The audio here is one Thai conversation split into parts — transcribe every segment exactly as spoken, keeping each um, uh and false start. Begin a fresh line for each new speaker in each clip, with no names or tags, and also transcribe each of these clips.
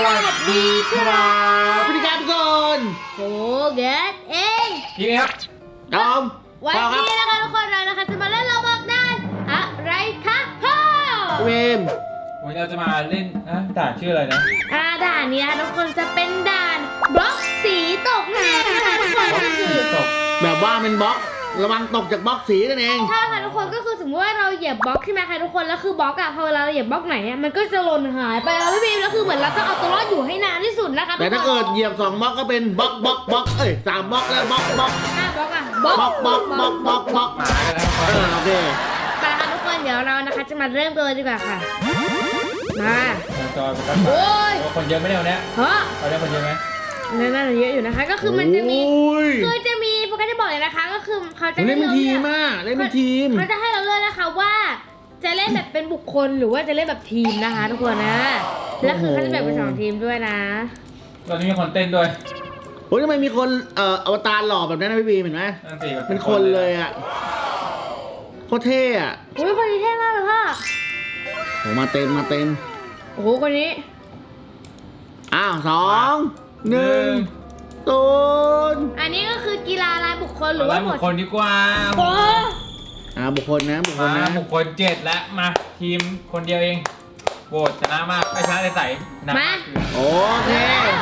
วัสดีครับ
สวัสดีครับทุกคน
โฟเกตเอง
พี่ครับ
ดอม
วันนี้นะคะทุกคนเรานะคะจะมาเล่นเราบอกด้านอะไรคะพ่อ
เวม
วันนี้เราจะมาเล่นนะด่านชื่ออะไรนะ
อ่าด่านนี้ทุกคนจะเป็นด่านบล็อกสีตกน้ำนะคะทุกคนก็คือ
ตก
แบบว่าเป็นบล็อกระวังตกจากบล็อกสีนั่นเอง
ใช่ค่ะทุกคนก็คือสมมติว่าเราเหยียบบล็อกใช่ไหมคะทุกคนแล้วคือบล็อกอะพอเวลาเราเหยียบบล็อกไหนอะมันก็จะหล่นหายไปแล้วพี่บีมแล้วคือเหมือนเราต้องเอาตัวรอดอยู่ให้นานที่สุดนะคะ
แต่ถ้าเกิดเหยียบสองบล็อกก็เป็นบล็อกบล็อกบล็อกเอ้ยสามบล็อกแล้วบล็อกบล็อก
ห้าบล็อกอะ
บล็อกบล็อกบล็อกบล็อกบล็อก
มากันแล้วครับ
เออโอเค
ไปค่ะทุกคนเดี๋ยวเรานะคะจะมาเริ่มกันเลยดีกว่าค่ะมา
จอยไปกัน
โอ้ย
คนเยอะไหมเนี่ยวันนี้
เฮ้อ
เราได้คนเยอะไหม
นั่นน่าจะเยอะอยู่นะคะ ก็คือมันจะมี
โอ้ย
คือจะมีโปรแกรมจะบอกเลยนะคะ ก็คือเขาจะ
เล่น
ให้
เป็น
เรา
ที
เลื
ม
อก
อ่ะเล่นเป็นทีม
เขาจะให้เราเลือกนะคะว่าจะเล่นแบบเป็นบุคคลหรือว่าจะเล่นแบบทีมนะคะ ทุกคนนะแล้วคือเขาจะแบ่งเป็นสองทีมด้วยนะ
ตอนนี้มีคนเต้นด้วย
โอ้ยทำไมมีคนเอ่ออวตารหล่อแบบนั้นนะพี่บีมเห็นไหม
นั่นสิ
เป็นคนเลยอ่ะโคตรเท่อะ
อุ้ยคนนี้เท่มากเลยพ่อ
โหมาเต็มมาเต็ม
โอ้โหคนนี้
อ้าวสองหนึ่งศูนย์
อันนี้ก็คือกีฬารายบุคคลห
ห
รื
รือ อ
ว่า
ว่า
หม
บุ
ด
คคลดีกว่า
โอ้
อ่าบุคคลนะบุคคล
มา
นะ
บุคคลเจ็ดแล้วมาทีมคนเดียวเองโหวตชนะมากไอ้ชนะใสๆนะ
โอเค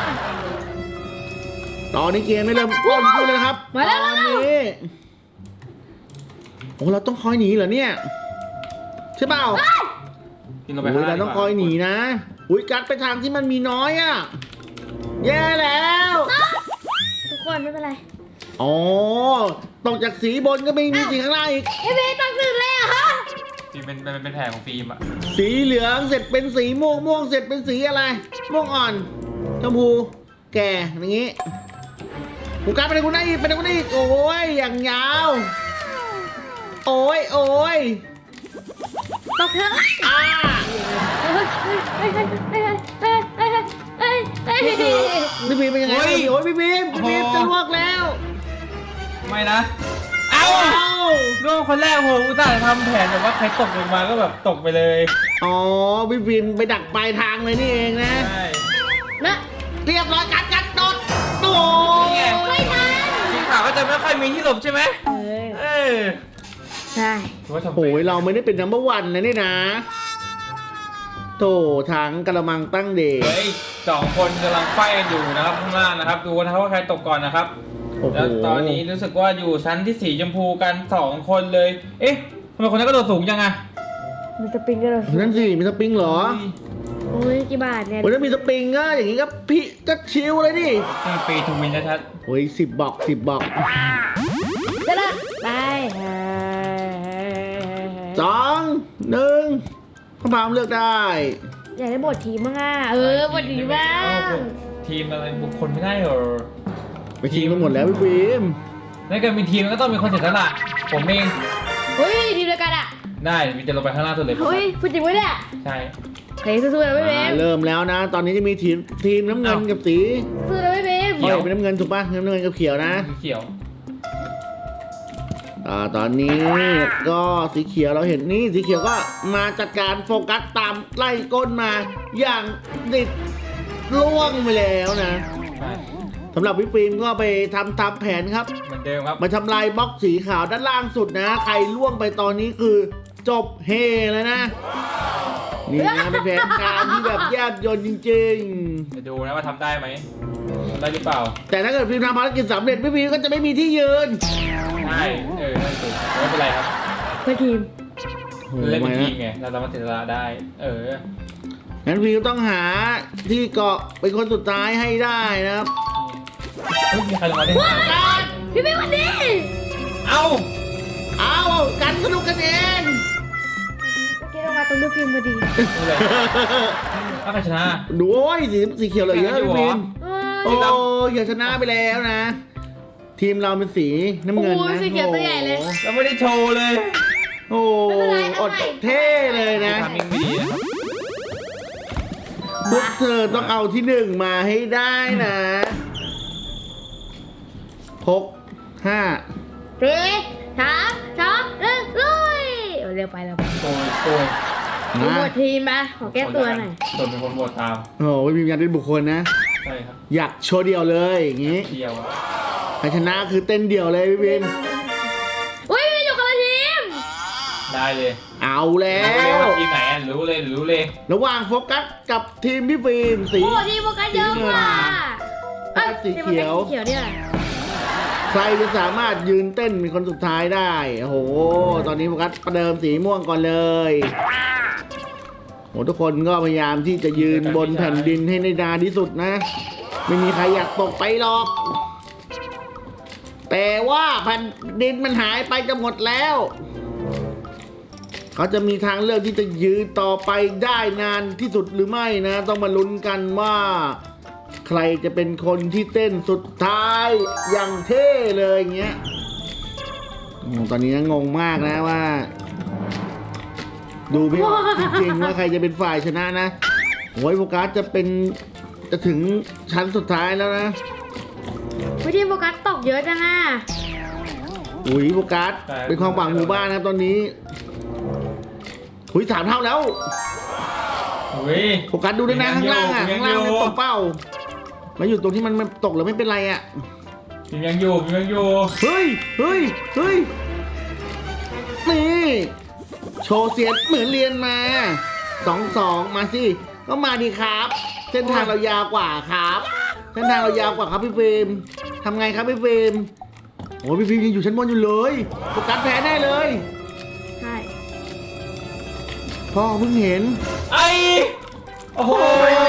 ตอนนี้เกมไม่เริ่มต้นขึ้นเลยนะครับ
มาแล้ว
ต
มา
อน
แล้ว
นี้โอ้เราต้องคอยหนีเหรอเนี่ยใช่เปล่า
กินลงไป
โอ้
ข้าง
ย
ล่า
เรา
ง
ต้องคอยหนีนะอุ้ยกัดไปทางที่มันมีน้อยอ่ะแย่แล้ว
ทุกคนไม่เป็นไร
อ๋อตกจากสีบนก็ไม่มีสีข้างล่างอีก
เอ้ยเบย์ตั้งตื่นเลยอะฮะ
ฟิล์มเป็นเป็นเป็นแผลของฟิล์มอะ
สีเหลืองเสร็จเป็นสีม่วงม่วงเสร็จเป็นสีอะไรม่วงอ่อนชมพูแก่อย่างงี้กูกัดไปไหนกูได้อีกไปไหนกูได้อีกโอ้ยอย่างยาวโอ้ยโอ้ย
ตกเถอะ
อ่า
เฮ้ยเฮ้ยเฮ้ยเฮ้ยเฮ้ยเฮ้ยเฮ้ยเฮ้ยเฮ้ย
พี่บีมเป็นยังไงโอ้ยพี่บีมพี่บีมจะลวกแล้ว
ไม่นะเอ้า
เอ้า
ร่วมคนแรกโหอุตส่าห์ทำแผนแบบว่าใครตกลงมาก็แบบตกไปเลย
อ๋อพี่บีมไปดักปลายทางเลยนี่เองนะ
ใช่
นะ
เรียบร้อยกัดกัดโดดโอ้
ไม่ทัน
สีขาวก็จะไม่ค่อยมีที่หลบใช่ไหม
เอ้ย
เออ
ใช่
ถือว่าทำ
โหยเราไม่ได้เป็นนัมเบอร์วันนะนี่นะโถทั้งกระมังตั้งเดช
เฮ้ยสองคนกำลังไฟกันอยู่นะครับข้างล่างนะครับ ดูนะครับว่าใครตกก่อนนะครับ
โอ้โห
แล้วตอนนี้รู้สึกว่าอยู่ชั้นที่สีชมพูกันสองคนเลย เอ๊ะทำไมคนนั้นก็โดดสูงจังอะ
มันจะปิงกันเหรอ
นั่นสิมีสปริงเหรอ
โอ้ยกี่บาทเนี่ย
โอ้ยถ้ามีสปริงก็อย่างงี้ก็พี่ก็ชิลเลยดิ
นี่ปีทูวินชัด
โอ้ยสิบบอกสิบบอก
จะละไป
สองหนึ่งข้าพามเลือกได้
อยากได้บททีมบ้างอ่ะเออบททีมบ้าง
ทีมอะไรบุคคลไม่ได้เหรอ
ไปทีมกันหมดแล้วพี่ฟิล์ม
ในการมีทีมมันก็ต้องมีคนเสียสละผมเอง
เฮ้ยทีมเดียวกันอ่ะ
ได้มีจะลงไปข้างล่างสุดเลย
เฮ้ยพูดจริงวะเนี่ย
ใช่
เฮ้ยสู้ๆนะพี่เบ
อ่าม เริ่มแล้วนะ ตอนนี้จะมีทีมทีมน้ำเงินกับสี
สู้ๆนะพี่เบม
เขียวเป็นน้ำเงินถูกปะน้ำเงินกับเขียวนะ
สีเขียว
อ่าตอนนี้ก็สีเขียวเราเห็นนี่สีเขียวก็มาจัดการโฟกัสตามไล่ก้นมาอย่างดิดล่วงไปแล้วนะ
ใช่
สำหรับพี่ฟิล์มก็ไปทำตามแผนครับ
เหมือนเดิมครับ
มาทำลายบล็อกสีขาวด้านล่างสุดนะ ใครล่วงไปตอนนี้คือจบเฮแล้วนะ นี่นะเป็นแผนการที่แบบแยบยลจริง
จะดูนะว่าทำได้ไหมทำได้หรือเปล่า
ๆ แต่ถ้าเกิดฟิล์มทำภารกิจสำเร็จพี่ฟิล์มก็จะไม่มีที่ยืน
ใช่เออนั่นสิไม่เป็นไรครับ
เพื่อทีม
เล่นเป็นทีมไงเราสามารถเสียสละได้ เออ
งั้นฟิล์มต้องหาที่เกาะเป็นคนสุดท้ายให้ได้นะครับ
เฮ้ยมีใครลงมาได้
พี่เบมวันนี้
เอ้า
เอากันสนุกกันเอง
เมื่อกี้เรามาตรงลูกฟิล์มพอดี
ดูเลยถ้าใครชนะ
ดูโอ้ยสีสีเขียวเหลยเยอะพี่ฟิล์ม
เอ
โอ้
อย
เขียวชนะไปแล้วนะ ทีมเราเป็นสีน้ำเงิน
โอ้
นะ
ยสีเขียวตัวใหญ่เลย
โอ้โห
เราไม่ได้โชว์เลย
โอ้
ไม่เป็นไร
อ
เอา
ด
ใหม่
เท่เลยนะ
ทำยังไม่ดีนะครับ
พวกเธอต้องเอาที่หนึ่งมาให้ได้นะหกห้า
สี่สามสองหนึ่งลุยเร็วไปเร็วไป
โกยโกย
ดูหมดทีมมาขอแก้ตัวหน่อย
จนเป็นคนโหวตตาม
โอ้โหไม่มีการเป็นบุคคลนะ
ใช่ครับ
อยากโชว์เดี่ยวเลยอย่างงี้
เดียวอะ
ใครชนะคือเต้นเดี่ยวเลยพี่บิน
อุ้ยไม่อยู่คนละทีม
ได้เลย
เอาแล้
รู้เลย
ว
ว่าทีมไหนอะรู้เลยรู้เลย
ระหว่างโฟกัสกับทีมพี่ฟิล์มสี
โอ้ทีมโฟกัสเยอะกว่า
โฟกัสสีเขียว
ทีมโฟกัสสีเขียวเนี่ย
ใครจะสามารถยืนเต้นเป็นคนสุดท้ายได้ โอ้โห ตอนนี้โฟกัสประเดิมสีม่วงก่อนเลยโอ้ทุกคนก็พยายามที่จะยืนบนแผ่นดินให้ได้นานที่สุดนะ ไม่มีใครอยากตกไปหรอก แต่ว่าแผ่นดินมันหายไปจะหมดแล้ว เขาจะมีทางเลือกที่จะยืนต่อไปได้นานที่สุดหรือไม่นะ ต้องมาลุ้นกันว่า ใครจะเป็นคนที่เต้นสุดท้ายอย่างเท่เลยอย่างเงี้ยโอ้ตอนนี้งงมากนะว่า ดูไม่ออกจริงๆว่าใครจะเป็นฝ่ายชนะนะโอ้ยโฟกัสจะเป็นจะถึงชั้นสุดท้ายแล้วนะ
วิทีมโฟกัสตกเยอะจังอ่ะ
อุ้ยโฟกัสเป็นความหวังหมู่บ้านนะครับตอนนี้หุยสามเท่าแล้ว
อุ้ย
โฟกัสดูด้วยนะข้างล่างอ่ะ
ยั
ข้าง
งอยู่
ล่างมันตกเป้ามาอยู่ตรงที่มันมันตกแล้วไม่เป็นไรอ่ะ
ทีมยังอยู่ทีมยังอยู่
เฮ้ยเฮ้ยเฮ้ยนี่โชว์เสียดเหมือนเรียนมาสองสองมาสิก็มาดีครับ เส้นทางเรายาวกว่าครับเส้นทางเรายาวกว่าครับพี่เฟรมทำไงครับพี่เฟรมโอ้ยพี่เฟรมยังอยู่ชั้นบนอยู่เลยโฟกัสแพ้แน่เลย
ใช่
พ่อเพิ่งเห็น
ไอ้โอ้โห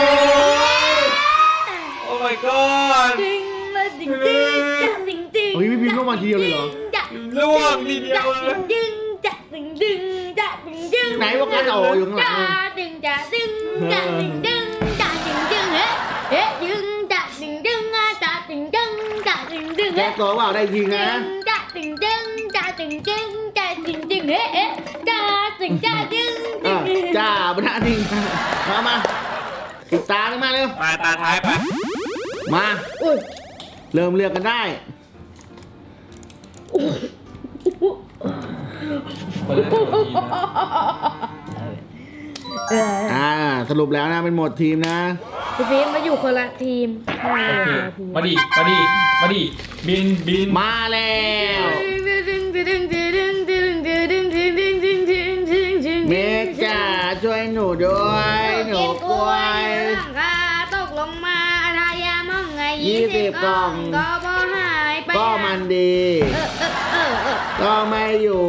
โอ้ my god
จริงเลยจริงจริงจะจริงจริง
เฮ้ยพี่พิมพ์ลงมาทีเดียวเลยเหรอ
จะ
ล่วงทีเดียวเลย
จริงจะจริงจริงจะจริงจริง
ไหนโฟกัสโอ้อยู่ข้างหลัง
จะจริงจะจริงจะจริงจริงจะจริงจริงเฮ้เฮ้จริงจะจริงจริงอ่ะจะจริงจริงจะจริงจริง
แก้
เฮ้
ตัวเปล่าได้จริงนะ
จะจริงจริงจะจริงจริงจะจริงจริงเฮ้เอ๊ะจะจริงจะจริง
เออจ้าบรรดาจริงมามาปิดตาเลยมาเร็ว
มาตาท้ายไป
มา
อุ้ย
เริ่มเลือกกันได้
คนละทีมนะ
เออ
อ่าสรุปแล้วนะเป็นหมดทีมนะ
พี่ฟิล์มมาอยู่คนละทีม
โอเคมาดิมาดิมาดิบินบิน
มาแล้ว เมกจ้าช่วยหนูด้วยหนูกล้วย
หลังคาตกลงมาทายามองไง
ยี่สิบกล่อง
ก็บ่หายไป
ก็มันดี
เออเออเออเออ
ก็ไม่อยู่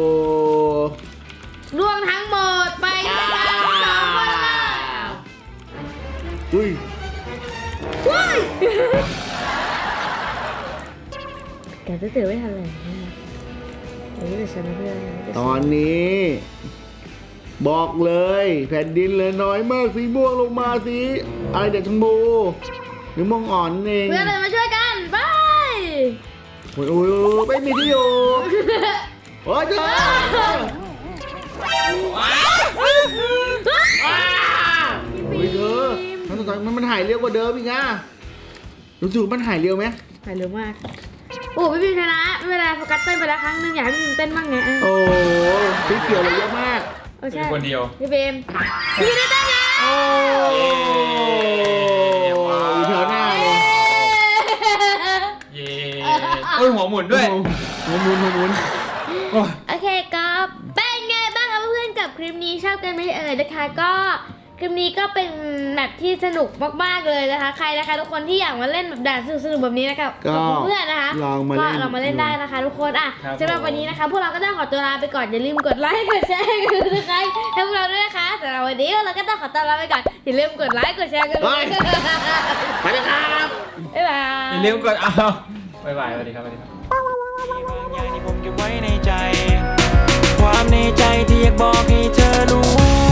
ล่วงทั้งหมดไป
อ่า
สองคนละ
อุ้ย
ว้ายแกจะตื่นไม่ทันเลยเฮ้ยแต่ฉันไม่ได้
ตอนนี้ บอกเลย แผ่นดินเลยน้อยมากสีม่วงลงมาสีอะไรเด็กชมพูหรือม่วงอ่อนเอง
เพื่อนเลยมาช่วยกันไป
โอ้ยโอ้ยโอ้ยไม่มีที่อยู่โอ้ยเธออ้าโอ้ยเธอมันตอนมันมันหายเร็วกว่าเดิมอีกอะรู้สึกมันหายเร็วไหม
หายเร็วมากโอ้พี่พิมชนะไม่เป็นไรโฟกัสเต้นไปแล้วครั้งหนึงอยากให้พี่พิมเต้นบ้างไงเออ
โอ้สีเขียวเลยเยอะมาก
เออ
เป็
ใช่
นคนเดียว
พี่พิมพี่พิมได้เต้นไง
โอ้อยู่แถวหน้าเลย
เย้โอ้ยหัวหมุนด้วย
หัวหมุนหัวหมุน
โอ้ย
โอเคก็เป็นไงบ้างคะเพื่อนๆกับคลิปนี้ชอบกันไหมเอ่ยนะคะก็คลิปนี้ก็เป็นแบบที่สนุกมากๆเลยนะคะ ใครนะคะทุกคนที่อยากมาเล่นแบบด่านสนุกๆแบบนี้นะครับกับเพื่อนๆนะคะ
ลองมา
ก็
เล่น
เรามาเล่นได้นะคะ ทุกคนอ่ะสำหรับวันนี้นะคะ พวกเราก็ต้องขอตัวลาไปก่อนอย่าลืมกดไลค์กดแชร์กันนะคะให้พวกเราด้วยนะคะสำหรับวันนี้เราก็ต้องขอตัวลาไปก่อนอย่าลืมกดไลค์กดแชร์กันด้วย
ไปเลยครับ
บ๊ายบาย
อย่าลืมกดเอาบ๊ายบายสวัสดีครับสวัสดีครับ
มีบางอย่างที่ผมเก็บไว้ในใจ ความในใจที่อยากบอกให้เธอรู้